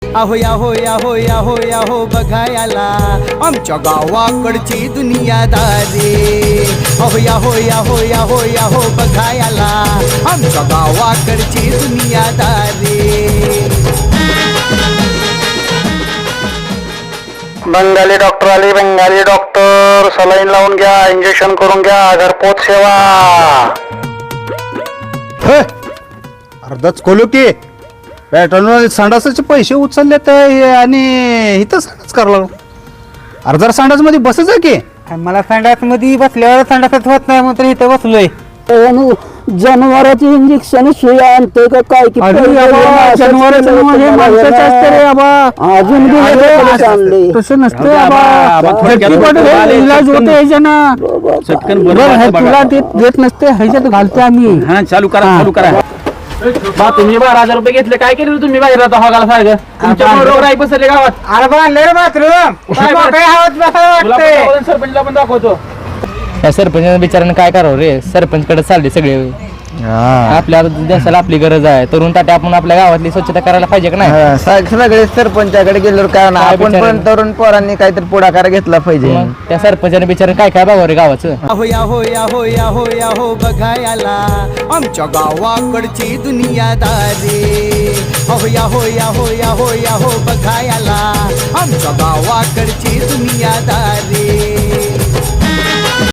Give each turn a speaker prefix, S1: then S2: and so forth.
S1: आहो Yahoo Yahoo Yahoo Yahoo बघायला आमच्या गावाकडची दुनियादारी आहो याहो याहो याहो याहो बघायला आमच्या गावाकडची दुनियादारी
S2: बंगाली डॉक्टर आले बंगाली डॉक्टर सलाईन लावून घ्या इंजेक्शन करून घ्या घरपोच सेवा
S3: अर्धाच खोलू की पॅटर्न संडासाचे पैसे उचलले तर आणि इथं संडास करावं लागलो अर्धा संडास मध्ये बसच आहे की
S4: मला संडास मध्ये बसल्यावर संडासच होत नाही म्हणून इथं बसलोय
S5: जनावरांची इंजेक्शन शिवाय आणते का काय की अजून
S4: तसं नसतं इलाज होते ह्याच्यानं तुला देत नसते ह्याच्यात घालतो आम्ही
S6: चालू करा बा तुम्ही 12,000 रुपये घेतले काय केलं तुम्ही बाहेर राहता हॉगाला सारखं तुमच्या रोड आहे बसले गावात
S4: अरे बांधले बाथरूम
S6: सरपंचला पण दाखवतो
S7: या सरपंच बिचाराने काय करावं रे सरपंच कडे चालले सगळे आपल्या देशाला आपली गरज आहे तरुण ताटे आपण आपल्या गावातली स्वच्छता करायला पाहिजे का नाही
S5: सगळे सरपंचाकडे गेल्यावर काय ना आपण पण तरुण पोरांनी काहीतरी पुढाकार घेतला पाहिजे
S7: मग त्या सरपंचाने बिचाराने काय काय बघावं रे गावाचं
S1: आहो याहो याहो याहो याहो बघायला आमच्या गावाकडची दुनियादारी आहो याहो याहो याहो याहो बघायला आमच्या गावाकडची दुनियादारी